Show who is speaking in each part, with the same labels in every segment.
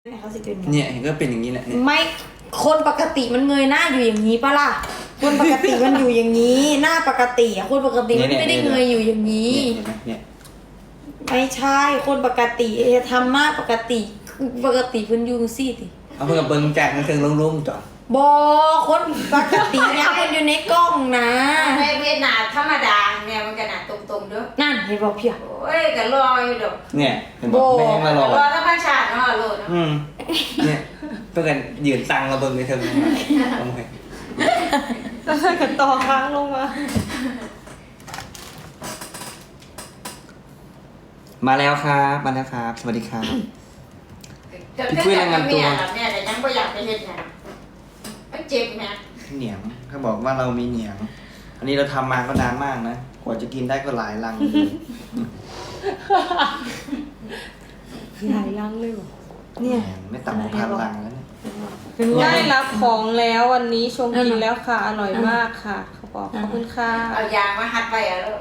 Speaker 1: เขาสิเป็น
Speaker 2: เนี่ยเห็นก็เป็นอย่างนี้แหละเนี่ย
Speaker 1: ไม่คนปกติมันเงยหน้าอยู่อย่างนี้ปะล่ะคนปกติมันอยู่อย่างนี้หน้าปกติอะคนปกติมันไม่ได้เงยอยู่อย่างนี้
Speaker 2: เห็นไหมเนี่ย
Speaker 1: ไม่ใช่คนปกติทำหน้าปกติเพิ่นอยู่สิติ
Speaker 2: เอาเพื่อนเบิ้งจากนั่นถึงลุ่งๆจ้ะ
Speaker 1: บอคนปกติเนี่ยมันอยู่ในกล้องนะ
Speaker 3: ไม่เวียดนามธรรมดาเนี่ยมันก็หนาตรงๆด้วย
Speaker 1: นั่นเห็นบอกเพีย
Speaker 3: โอ้ยก็รออยู่ดอก
Speaker 2: เนี่ยเห็นบอกแม่งมารอ
Speaker 3: รอธรรมชาติเนาะโลด
Speaker 2: เนี่ยเพื่อนกันยืนตังเราเบิ้งไปเถอะทำไม
Speaker 4: แล้วถ้าเกิดต่อค้างลงมา
Speaker 2: มาแล้วครับมาแล้วครับสวัสดีครับ พี่คุยรายงานตัว
Speaker 3: เนี่ยแต่ยังไม่อยากไปเฮ็ดงานมันเจ็บแม่
Speaker 2: เหนียงเขาบอกว่าเรามีเหนียง อันนี้เราทำมาก็นานมากนะกว่าจะกินได้ก็หลายลังเลย
Speaker 1: หลายลังเลยเหรอเนี่ย
Speaker 2: ไม่ต่ำกว่าพันลังแล้วเนี่ย
Speaker 1: เป็นว่า
Speaker 4: ได้รับของแล้ววันนี้ชงกินแล้วค่ะ อร่อยมากค่ะเขาบอกขอบคุณค่ะ
Speaker 3: เอายางมาหัดไว้อะลูก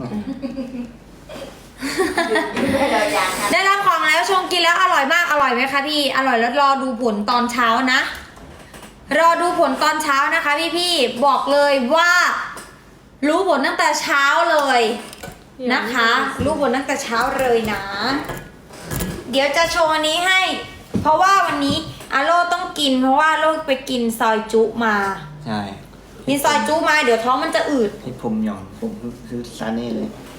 Speaker 3: เอายางหัด
Speaker 1: ได้รับของแล้วชงกินแล้วอร่อยมากอร่อยไหมคะพี่อร่อยแล้วรอดูผลตอนเช้านะรอดูผลตอนเช้านะคะพี่บอกเลยว่า รู้ผลตั้งแต่เช้าเลยนะคะ รู้ผลตั้งแต่เช้าเลยนะ เดี๋ยวจะโชว์อันนี้ให้ เพราะว่าวันนี้อาโลต้องกิน เพราะว่าโลไปกินซอยจุมา
Speaker 2: ใช่
Speaker 1: กินซอยจุมาเดี๋ยวท้องมันจะอืด
Speaker 2: ให้ผมหย่อนผมคือซาเน่เลย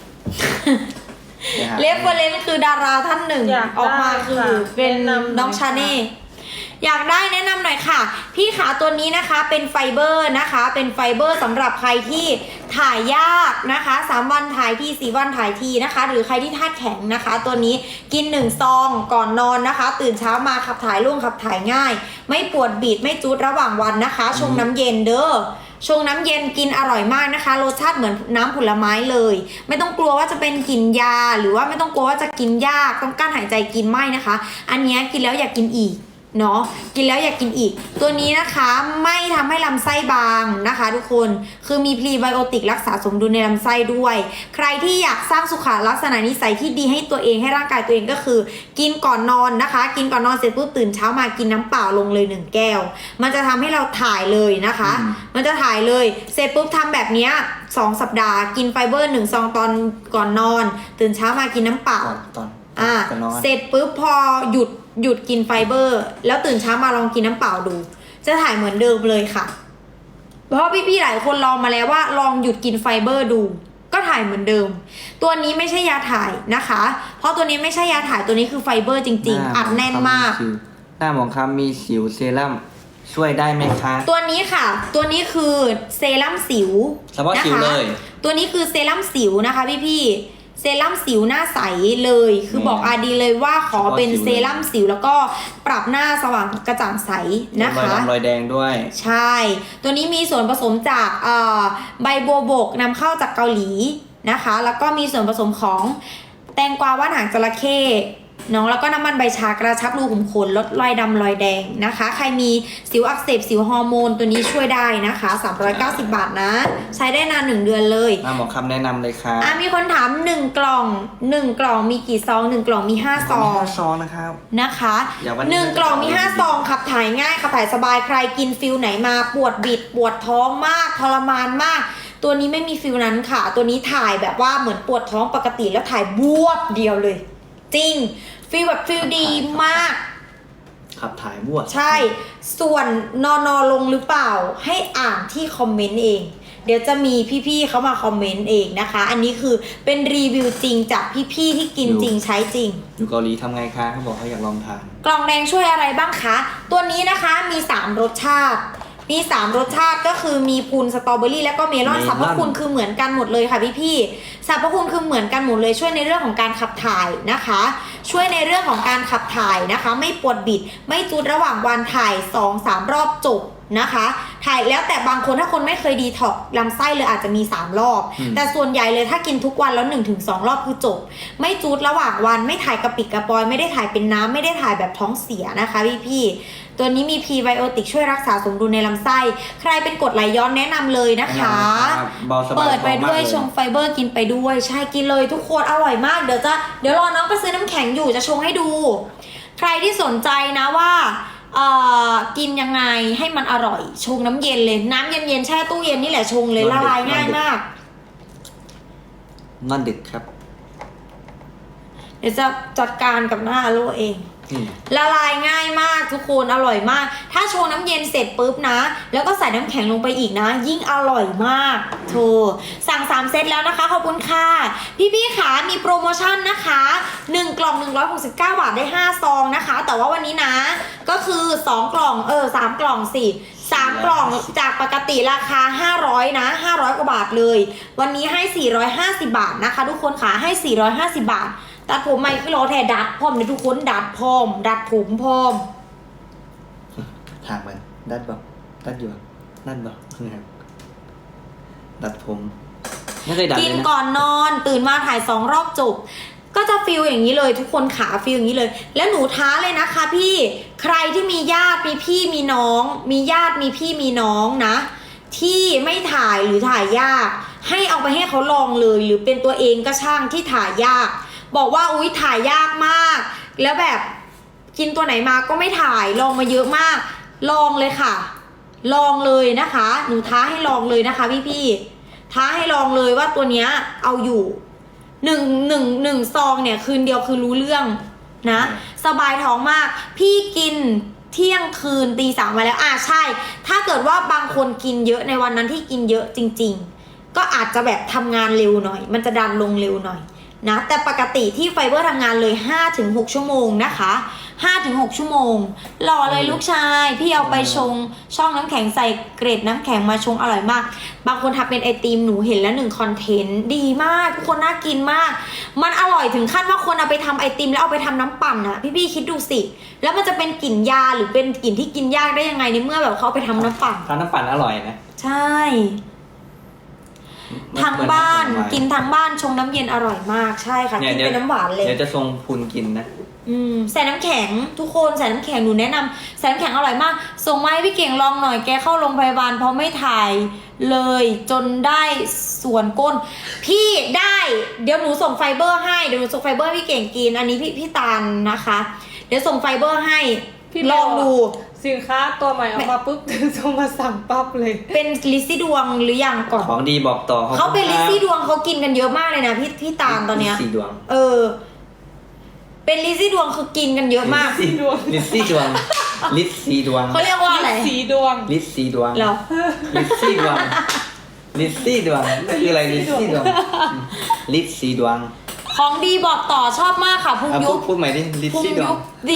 Speaker 1: เรฟเฟอเรนซ์คือดาราท่านหนึ่ง
Speaker 4: อยากได้
Speaker 1: ออกมาคือ
Speaker 4: ค่ะ
Speaker 1: เป็น
Speaker 4: แนะนำหน่อย
Speaker 1: น้องชาเน่อยากได้แนะนำหน่อยค่ะ พี่ขาตัวนี้นะคะเป็นไฟเบอร์นะคะ เป็นไฟเบอร์สำหรับใครที่ถ่ายยากนะคะ3วันถ่ายที4วันถ่ายทีนะคะ หรือใครที่ธาตุแข็งนะคะ ตัวนี้กิน1ซองก่อนนอนนะคะ ตื่นเช้ามาขับถ่ายร่วงขับถ่ายง่าย ไม่ปวดบีดไม่จุดระหว่างวันนะคะชงน้ำเย็นเด้อ ชงน้ำเย็นกินอร่อยมากนะคะรสชาติเหมือนน้ำผลไม้เลย ไม่ต้องกลัวว่าจะเป็นกลิ่นยาหรือว่าไม่ต้องกลัวว่าจะกินยากต้องกั้นหายใจกินไม่นะคะ อันนี้กินแล้วอยากกินอีกเนาะกินแล้วอยากกินอีก ตัวนี้นะคะไม่ทำให้ลำไส้บางนะคะ ทุกคนคือมีพรีไบโอติกรักษาสมดุลในลำไส้ด้วย ใครที่อยากสร้างสุขลักษณะนิสัยที่ดีให้ตัวเองให้ร่างกายตัวเองก็คือ กินก่อนนอนนะคะ กินก่อนนอนเสร็จปุ๊บตื่นเช้ามากินน้ำเปล่าลงเลย1แก้ว มันจะทำให้เราถ่ายเลยนะคะ มันจะถ่ายเลยเสร็จปุ๊บทำแบบเนี้ย2 สัปดาห์กินไฟเบอร์1ซองตอนก่อนนอน ตื่นเช้ามากินน้ำเปล่า
Speaker 2: ตอน
Speaker 1: อ่ะ
Speaker 2: นอน
Speaker 1: เสร็จปุ๊บพอหยุดกินไฟเบอร์ แล้วตื่นเช้ามาลองกินน้ำเปล่าดู จะถ่ายเหมือนเดิมเลยค่ะ เพราะพี่ๆหลายคนลองมาแล้วว่าลองหยุดกินไฟเบอร์ดู ก็ถ่ายเหมือนเดิม ตัวนี้ไม่ใช่ยาถ่ายนะคะ เพราะตัวนี้ไม่ใช่ยาถ่ายตัวนี้คือไฟเบอร์จริงๆ อัดแน่นมาก
Speaker 2: หน้าหมองคำมีสิวเซรั่มช่วยได้ไหมคะ
Speaker 1: ตัวนี้ค่ะ ตัวนี้คือเซรั่มสิว
Speaker 2: เฉพาะสิวเลย
Speaker 1: ตัวนี้คือเซรั่มสิวนะคะพี่ๆเซรั่มสิวหน้าใสเลย คือบอกอาดีเลยว่าขอเป็นเซรั่มสิวแล้วก็ปรับหน้าสว่างกระจ่างใสนะคะ
Speaker 2: รอยดำรอยแดงด้วย
Speaker 1: ใช่ ตัวนี้มีส่วนผสมจากใบบัวบกนำเข้าจากเกาหลีนะคะ แล้วก็มีส่วนผสมของแตงกวาว่านหางจระเข้เนาะแล้วก็น้ำมันใบชากระชับรูขุมขนลดรอยดำรอยแดงนะคะ ใครมีสิวอักเสบสิวฮอร์โมนตัวนี้ช่วยได้นะคะ390 บาทนะ ใช้ได้นาน1 เดือนเลย
Speaker 2: หน้าหมองคำแนะนำเลยค่ะ
Speaker 1: มีคนถาม1 กล่อง1 กล่องมีกี่ซอง1 กล่องมี5 ซอง
Speaker 2: ซองนะครับ
Speaker 1: นะคะ
Speaker 2: อย่าวันนี้
Speaker 1: 1 กล่องมี5 ซองขับถ่ายง่ายขับถ่ายสบายใครกินฟิลไหนมาปวดบิดปวดท้องมากทรมานมาก ตัวนี้ไม่มีฟิลนั้นค่ะ ตัวนี้ถ่ายแบบว่าเหมือนปวดท้องปกติแล้วถ่ายบวบเดียวเลย จริงฟิลแบบฟิลดีมาก
Speaker 2: ขับถ่ายบวช
Speaker 1: ใช่ ส่วนนอนลงหรือเปล่าให้อ่านที่คอมเมนต์เอง เดี๋ยวจะมีพี่ๆเขามาคอมเมนต์เองนะคะ อันนี้คือเป็นรีวิวจริงจากพี่ๆที่กินจริงใช้จริง
Speaker 2: อยู่เกาหลีทำไงคะเขาบอกเขาอยากลองทาน
Speaker 1: กล่องแดงช่วยอะไรบ้างคะ ตัวนี้นะคะมี3 รสชาติ มี3 รสชาติก็คือมีพูนสตรอเบอรี่แล้วก็เมลอน
Speaker 2: เมลอน
Speaker 1: สรรพคุณคือเหมือนกันหมดเลยค่ะพี่ๆสรรพคุณคือเหมือนกันหมดเลยช่วยในเรื่องของการขับถ่ายนะคะ ช่วยในเรื่องของการขับถ่ายนะคะ ไม่ปวดบิด ไม่จุดระหว่างวันถ่าย 2-3 รอบจบนะคะ ถ่ายแล้วแต่บางคนถ้าคนไม่เคยดีท็อกซ์ลำไส้เลยอาจจะมี3 รอบ แต่ส่วนใหญ่เลยถ้ากินทุกวันแล้ว 1-2 รอบคือจบ ไม่จุดระหว่างวันไม่ถ่ายกระปิดกระปอยไม่ได้ถ่ายเป็นน้ำไม่ได้ถ่ายแบบท้องเสียนะคะพี่ๆตัวนี้มีพรีไบโอติกช่วยรักษาสมดุลในลำไส้ใครเป็นกรดไหลย้อนแนะนำเลยนะคะ
Speaker 2: เบาสบาย
Speaker 1: เปิดไปด้วย
Speaker 2: ท้องมากเลย
Speaker 1: ชงไฟเบอร์กินไปด้วยใช่กินเลยทุกคนอร่อยมากเดี๋ยวรอน้องไปซื้อน้ำแข็งอยู่จะชงให้ดู ใครที่สนใจนะว่ากินยังไงให้มันอร่อยชงน้ำเย็นเลยน้ำเย็นๆแช่ตู้เย็นนี่แหละชงเลยละลายง่ายมาก
Speaker 2: นอนดึกครับ
Speaker 1: เดี๋ยวจะจัดการกับหน้าโลเอง ละลายง่ายมากทุกคนอร่อยมาก ถ้าชงน้ำเย็นเสร็จปุ๊บนะแล้วก็ใส่น้ำแข็งลงไปอีกนะยิ่งอร่อยมากโธ่สั่ง3เซตแล้วนะคะขอบคุณค่ะพี่ๆขามีโปรโมชั่นนะคะ1กล่อง169 บาทได้5ซองนะคะแต่ว่าวันนี้นะก็คือ2กล่อง3กล่องสิ3กล่องจากปกติราคา500นะ500กว่าบาทเลยวันนี้ให้450บาทนะคะทุกคนขาให้450บาทตัดผมใหม่คือรอแทดัดพร้อมเลยทุกคนดัดพร้อมดัดผมพร้อม
Speaker 2: ถามมันดัดบ่ดัดอยู่นั่นบ่ดัดผมไม่เคยดัด
Speaker 1: กิ
Speaker 2: เล
Speaker 1: น
Speaker 2: ยนะ
Speaker 1: ก่อนนอนตื่นมาถ่าย2รอบจบก็จะฟีลอย่างนี้เลยทุกคนขาฟีลอย่างนี้เลยแล้วหนูท้าเลยนะคะพี่ใครที่มีญาติมีพี่มีน้องมีญาติมีพี่มีน้องนะที่ไม่ถ่ายหรือถ่ายยากให้เอาไปให้เขาลองเลยหรือเป็นตัวเองก็ช่างที่ถ่ายยากบอกว่าอุ๊ยถ่ายยากมากแล้วแบบกินตัวไหนมาก็ไม่ถ่ายลองมาเยอะมากลองเลยค่ะลองเลยนะคะหนูท้าให้ลองเลยนะคะพี่ๆท้าให้ลองเลยว่าตัวเนี้ยเอาอยู่หนึ่งซองเนี่ยคืนเดียวคือรู้เรื่องนะสบายท้องมากพี่กินเที่ยงคืนตี 3มาแล้วใช่ถ้าเกิดว่าบางคนกินเยอะในวันนั้นที่กินเยอะจริงๆก็อาจจะแบบทำงานเร็วหน่อยมันจะดันลงเร็วหน่อยนะแต่ปกติที่ไฟเบอร์ทำงานเลย 5-6 ชั่วโมงนะคะ 5-6 ชั่วโมงรอเลยลูกชายพี่เอาไปชงช่องน้ำแข็งใส่เกร็ดน้ำแข็งมาชงอร่อยมากบางคนทำเป็นไอติมหนูเห็นแล้ว1คอนเทนต์ดีมากทุกคนน่ากินมากมันอร่อยถึงขั้นว่าคนเอาไปทำไอติมแล้วเอาไปทำน้ำปั่นอะพี่คิดดูสิแล้วมันจะเป็นกลิ่นยาหรือเป็นกลิ่นที่กินยากได้ยังไงในเมื่อแบบเขาเอาไปทำน้ำปั่น
Speaker 2: ทานน้ำปั่นอร่อยนะ
Speaker 1: ใช่ทางบ้านกินทางบ้านชงน้ำเย็นอร่อยมากใช่ค่ะกินเป็นน้ำหวานเลย
Speaker 2: เดี๋ยวจะทรงพุนกินนะ
Speaker 1: ใส่น้ำแข็งทุกคนใส่น้ำแข็งหนูแนะนำใส่น้ำแข็งอร่อยมากส่งมาให้พี่เก่งลองหน่อยแกเข้าโรงพยาบาลเพราะไม่ถ่ายเลยจนได้ส่วนก้นพี่ได้เดี๋ยวหนูส่งไฟเบอร์ให้เดี๋ยวหนูส่งไฟเบอร์ให้พี่เก่งกินอันนี้พี่ตาลนะคะเดี๋ยวส่งไฟเบอร์ให้ลองดู
Speaker 4: สินค้าตัวใหม่ออกมาปุ๊บถึงส่งมาสั่งปั๊บเลย
Speaker 1: เป็นลิซซี่ดวงหรือยังก่อน
Speaker 2: ของดีบอกต่อ
Speaker 1: เขาเป็นลิซซี่ดวงเขากินกันเยอะมากเลยนะพี่ตาลตอนเนี้ย
Speaker 2: ลิซซี่ดวง
Speaker 1: เป็นลิซซี่ดวงคือกินกันเยอะมาก
Speaker 2: ลิซซี่ดวงลิซซี่ดวง
Speaker 1: เขาเรียกว่าอะไร
Speaker 4: สีดวง
Speaker 2: ลิซซี่ดวง
Speaker 1: เหรอ
Speaker 2: ลิซซี่ดวงลิซซี่ดวงคืออะไรลิซซี่ดวงลิซซี่ดวง
Speaker 1: ของดีบอกต่อชอบมากค่ะพุงยุบ
Speaker 2: พูดใหม่ดิลิซ
Speaker 1: พุง
Speaker 2: ซี่ดว
Speaker 1: ยุ
Speaker 2: ง
Speaker 1: บดี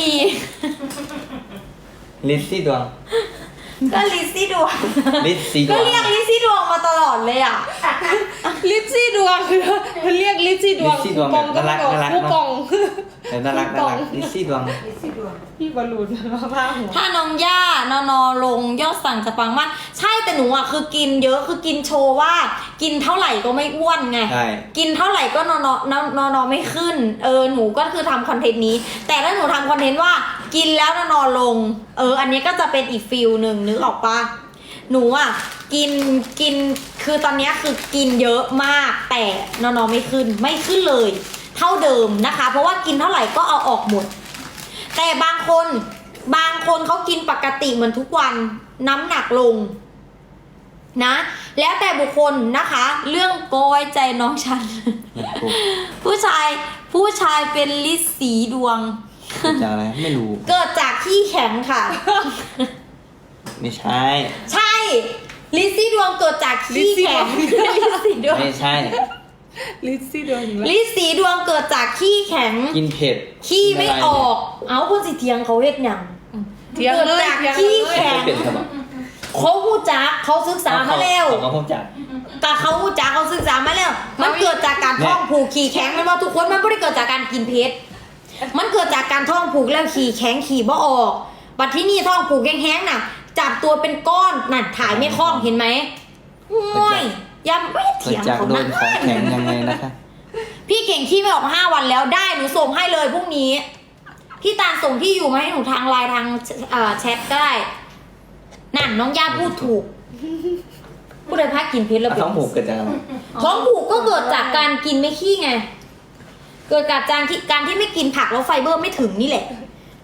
Speaker 2: ลิซซี่ดวง
Speaker 1: ก็ลิซซี่ดวง
Speaker 2: ลิซซี่ด
Speaker 1: ก็
Speaker 2: วง
Speaker 1: เรียกลิซซี่ดวงมาตลอดเลยอ่ะ
Speaker 4: ลิซซี่ดวงคือมันเรียกลิซซี่ดวง
Speaker 2: ลิซซี่ดวงแบบน่ารักน่ารัก
Speaker 4: คูปอง
Speaker 2: น่ารักลิซซี่ดวง
Speaker 4: พี่บอลลูนมาผ้าหัว
Speaker 1: ถ้าน้องย่านอลงยอดสั่งจะปังมากใช่แต่หนูอ่ะคือกินเยอะคือกินโชว์ว่ากินเท่าไหร่ก็ไม่อ้วนไง
Speaker 2: ใช่
Speaker 1: กินเท่าไหร่ก็นอไม่ขึ้นหนูก็คือทำคอนเทนต์นี้ แต่ถ้าหนูทำคอนเทนต์ว่ากินแล้วนอลงอันนี้ก็จะเป็นอีกฟิลหนึ่งนึกออกปะหนูอ่ะกินคือตอนนี้คือกินเยอะมากแต่นอไม่ขึ้นเลย เท่าเดิมนะคะ เพราะว่ากินเท่าไหร่ก็เอาออกหมดแต่บางคนเขากินปกติเหมือนทุกวันน้ำหนักลงนะแล้วแต่บุคคลนะคะ เรื่องโกยใจน้องฉัน ผู้ชายเป็นลิซสีดวง
Speaker 2: เกิดจากอะไรไม่รู้
Speaker 1: เกิดจากขี้แข็งค่ะ
Speaker 2: ไม่ใช่
Speaker 1: ใช่ลิซซี่ดวงเกิดจากขี้แข็งลิซซี่ดวง
Speaker 2: ไม่ใช่
Speaker 4: ลิซซี่ดวงอีกแล้ว
Speaker 1: ลิซสีดวงเกิดจากขี้แข็ง
Speaker 2: กินเผ็ด
Speaker 1: ขี้ไม่ออก เอาคนสิเทียงเขาเฮ็ดหยัง
Speaker 4: เถียง
Speaker 1: เกิด
Speaker 4: เลย
Speaker 1: จาก
Speaker 4: เถียง
Speaker 1: ขี้
Speaker 4: เลย
Speaker 1: แข็ง
Speaker 2: เผ็ดครับ
Speaker 1: เขาหูจักเขาศึกษามาแล้ว
Speaker 2: เขาพูดจาก
Speaker 1: แต่เขาหูจักเขาศึกษามาแล้ว มันเกิดจากการท้องผูกขี้แข็งมันว่าทุกคนมันไม่ได้เกิดจากการกินเพชรมันเกิดจากการท้องผูกแล้วขี้แข็งขี้บ่ออกบัดที่นี่ท้องผูกแห้งๆน่ะ จับตัวเป็นก้อนน่ะถ่ายไม่คล่องเห็นไหมโอ้ยยังไม่
Speaker 2: เกิด
Speaker 1: เถียง
Speaker 2: จาก
Speaker 1: เขา
Speaker 2: โด
Speaker 1: นะ
Speaker 2: นของแข็งยังไงนะคะ
Speaker 1: พี่เก่งขี้ไม่ออกมา5 วันแล้วได้หนูส่งให้เลยพรุ่งนี้พี่ตาลส่งที่อยู่มาให้หนูทางไลน์ทางแชทก็ได้นั่นน้องย่าพูดถูกผู้ใดพักกินเพชรแล้วเป็น
Speaker 2: ท้องผูกเกิดจากอะไร
Speaker 1: ท้องผูกก็เกิดจากการกินไม่ขี้ไงเกิดจากการที่ไม่กินผักแล้วไฟเบอร์ไม่ถึงนี่แหละ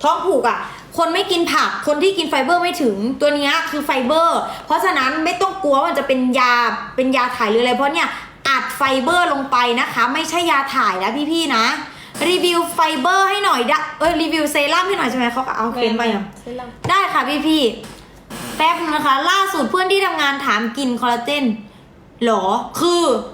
Speaker 1: ท้องผูกอ่ะคนไม่กินผักคนที่กินไฟเบอร์ไม่ถึงตัวเนี้ยคือไฟเบอร์ เพราะฉะนั้นไม่ต้องกลัวว่ามันจะเป็นยาถ่ายหรืออะไรเพราะเนี่ยอัดไฟเบอร์ลงไปนะคะไม่ใช่ยาถ่ายนะพี่ๆนะรีวิวไฟเบอร์ให้หน่อยรีวิวเซรั่มให้หน่อยใช่ไหมเขาเอาเฟ้นไปยัง
Speaker 4: เซรั่ม
Speaker 1: ได้ค่ะพี่ๆแป๊บนึงนะคะ ล่าสุดเพื่อนที่ทำงานถามกินคอลลาเจนหรอคือ